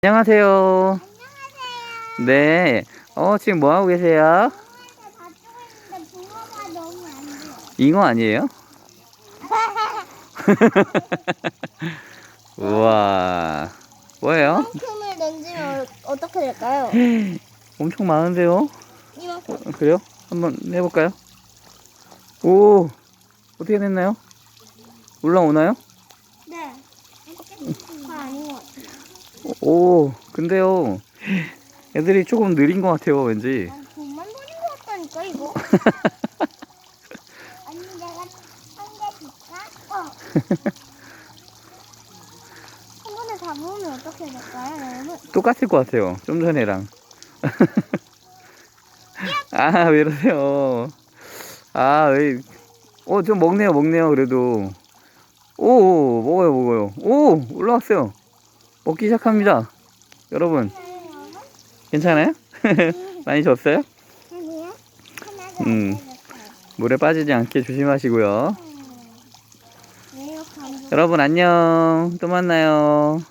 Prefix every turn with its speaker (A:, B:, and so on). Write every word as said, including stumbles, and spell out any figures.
A: 안녕하세요.
B: 안녕하세요.
A: 네. 어, 지금 뭐 하고 계세요?
B: 붕어한테 다 쪼고 있는데 붕어가 너무 안 돼요.
A: 잉어 아니에요? 우와. 뭐예요?
B: 이만큼을 던지면 어떻게 될까요?
A: 엄청 많은데요?
B: 이만큼.
A: 어, 그래요? 한번 해볼까요? 오, 어떻게 됐나요? 올라오나요?
B: 네. 다 아닌 것 같아요.
A: 오, 근데요. 애들이 조금 느린 것 같아요, 왠지.
B: 난 돈만 버린 것 같다니까 이거. 언니 내가 한 개 줄까? 어. 한 번에 다 모으면 어떻게 될까요, 여러분?
A: 똑같을 것 같아요, 좀 전에랑. 아, 왜 이러세요? 아, 왜. 어, 좀 먹네요, 먹네요, 그래도. 오, 먹어요, 먹어요. 오, 올라왔어요. 먹기 시작합니다. 여러분,
B: 여러분?
A: 괜찮아요? 많이 줬어요?
B: 아니요. 하나도
A: 음,
B: 안 되겠어요.
A: 물에 빠지지 않게 조심하시고요.
B: 왜 이렇게 안
A: 여러분, 안녕. 또 만나요.